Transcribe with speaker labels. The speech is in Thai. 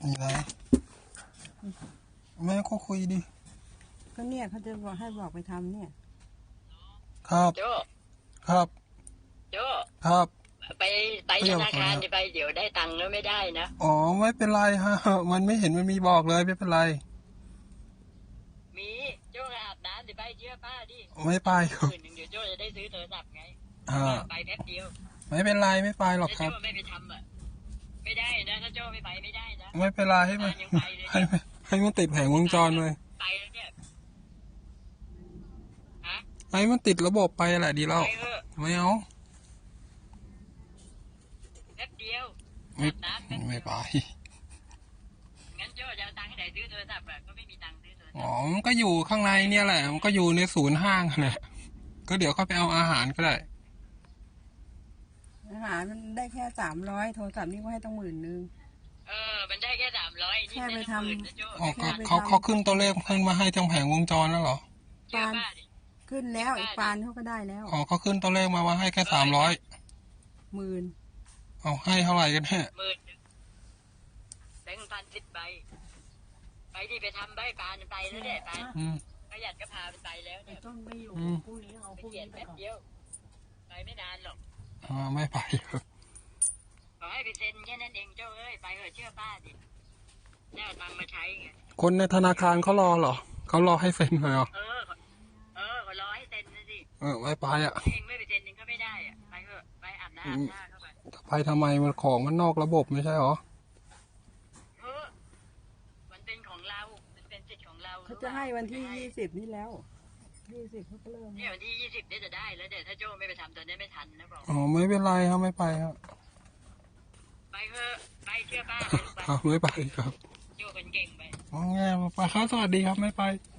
Speaker 1: นี่นะแม่ก็คุยดิ
Speaker 2: ก็เนี่ยเขาจะบอกให้บอกไปทำเนี่ย
Speaker 1: ครับ
Speaker 3: โจ
Speaker 1: ครับ
Speaker 3: โจ
Speaker 1: ครับ
Speaker 3: ไปธนาคารไปเดี๋ยวได้ตังค์แล้วไม่ได้นะ
Speaker 1: อ๋อไม่เป็นไรฮะมันไม่เห็นมันมีบอกเลยไม่เป็นไร
Speaker 3: มีโจอาบน้ำเดี๋ยวไปเชื่อป้าดิ
Speaker 1: ไม่ไปครับ
Speaker 3: คืนหนึ่งเดี๋ยวโจจะได้ซื้อโทรศัพท์ไงไปแป๊บเดียว
Speaker 1: ไม่เป็นไรไม่ไปหรอกครับ
Speaker 3: โจไม่ไปทำอ่ะไม่ได้นะถ้าโจไม่ไปไม่ได้นะ
Speaker 1: ไม่เป็นไรให้มันให้มันติดแผงวงจรเลย
Speaker 3: ไปแล้วเนี่ย
Speaker 1: ให้มันติดระบบไปแหละดีแล้วไม่เอา
Speaker 3: แป๊บเดียว
Speaker 1: ไม่ไป
Speaker 3: งั้นโจจะเอาตังค์ให้ไหนซื้อโทรศัพท์ก็ไม่มีตังค์ซื้อโทรศัพท์
Speaker 1: อ๋อมันก็อยู่ข้างในเนี่ยแหละมันก็อยู่ในศูนย์ห้างแหละก็เดี๋ยวเขาไปเอาอาหารก็ได้
Speaker 2: อาหารมันได้แค่300โทรศัพท์นี่ก็ให้ต้อง10,000
Speaker 3: มันได้แค่300
Speaker 2: แค่ไปท
Speaker 1: ำเขาขึ้นตัวเลขขึ้นมาให้ทางแผงวงจรแล้วเหรอ
Speaker 2: ปานขึ้นแล้วอีกปานเขาก็ได้แล้ว
Speaker 1: อ๋อเขาขึ้นตัวเลขมาว่าให้แค่
Speaker 2: 10,000
Speaker 1: เอาให้เท่าไหร่กันแน่
Speaker 3: แบงค์1,010ใบไปที่ไปทำใบปานไปแล้วเนี่ยปานประหยัดก็พาไปแล้วเนี่ย
Speaker 2: ต้นไม่อยู่พรุ่งนี้เอาพรุ่งนี้ไปก่อน
Speaker 3: ไปไม่นานหรอก
Speaker 1: ไม่ไป
Speaker 3: ขอให้ไปเซ็นแค่นั้นเองเจ้าไปเถอะเชื่อป้าดิได้ตังค์มาใช้ไง
Speaker 1: คนในธนาคารเขารอเหรอเขารอให้เซ็นเลยเหรอ
Speaker 3: เขารอให้เซ็นนะสิ
Speaker 1: ไม่ไป
Speaker 3: เองไม่ไปเซ็นเองก็ไม่ได้ไปเถอะไปอาบน้ำเข้า
Speaker 1: ไปทำไมมันของมันนอกระบบไม่ใช่หรอ
Speaker 3: มันเป็นของเรามันเป็นสิทธิ์ของเรา
Speaker 2: เขาจะให้วันที่20นี่แล้ว20เขาก็เริ่ม
Speaker 3: เนี่ยวันที่20นี่จะได้แล้วเดี๋ยวถ้าโจ้ไม่ไปทำตอนนี้ไม่ทันนะบอก
Speaker 1: ไม่เป็นไรครับไม่ไปครับ
Speaker 3: ไปเถอะไปเชื่อป้า
Speaker 1: ไม่ไปครับ
Speaker 3: โจ้เป็นเก่งไป
Speaker 1: ไปครับสวัสดีครับไม่ไป